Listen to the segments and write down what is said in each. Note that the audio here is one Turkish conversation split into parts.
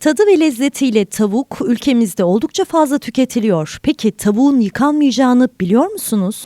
Tadı ve lezzetiyle tavuk ülkemizde oldukça fazla tüketiliyor. Peki tavuğun yıkanmayacağını biliyor musunuz?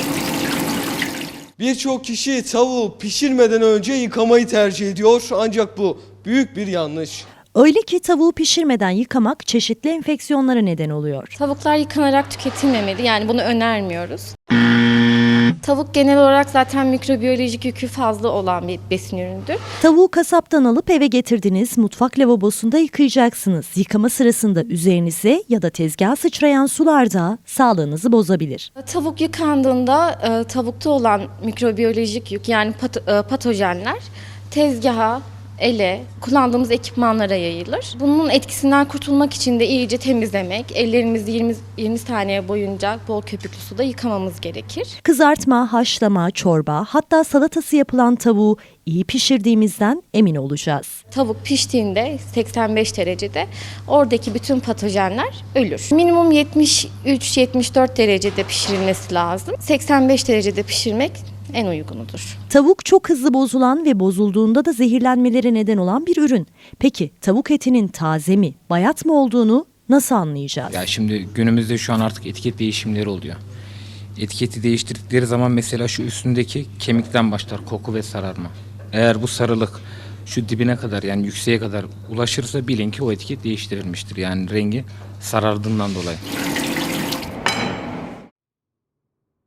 Birçok kişi tavuğu pişirmeden önce yıkamayı tercih ediyor ancak bu büyük bir yanlış. Öyle ki tavuğu pişirmeden yıkamak çeşitli enfeksiyonlara neden oluyor. Tavuklar yıkanarak tüketilmemeli. Yani bunu önermiyoruz. Tavuk genel olarak zaten mikrobiyolojik yükü fazla olan bir besin ürünüdür. Tavuğu kasaptan alıp eve getirdiniz, mutfak lavabosunda yıkayacaksınız. Yıkama sırasında üzerinize ya da tezgaha sıçrayan sular da sağlığınızı bozabilir. Tavuk yıkandığında tavukta olan mikrobiyolojik yük yani patojenler tezgaha, ele, kullandığımız ekipmanlara yayılır. Bunun etkisinden kurtulmak için de iyice temizlemek, ellerimizi 20 saniye boyunca bol köpüklü suda yıkamamız gerekir. Kızartma, haşlama, çorba, hatta salatası yapılan tavuğu iyi pişirdiğimizden emin olacağız. Tavuk piştiğinde 85 derecede oradaki bütün patojenler ölür. Minimum 73-74 derecede pişirilmesi lazım. 85 derecede pişirmek en uygunudur. Tavuk çok hızlı bozulan ve bozulduğunda da zehirlenmelere neden olan bir ürün. Peki tavuk etinin taze mi, bayat mı olduğunu nasıl anlayacağız? Ya şimdi günümüzde şu an artık etiket değişimleri oluyor. Etiketi değiştirdikleri zaman mesela şu üstündeki kemikten başlar koku ve sararma. Eğer bu sarılık şu dibine kadar yani yükseğe kadar ulaşırsa bilin ki o etiket değiştirilmiştir. Yani rengi sarardığından dolayı.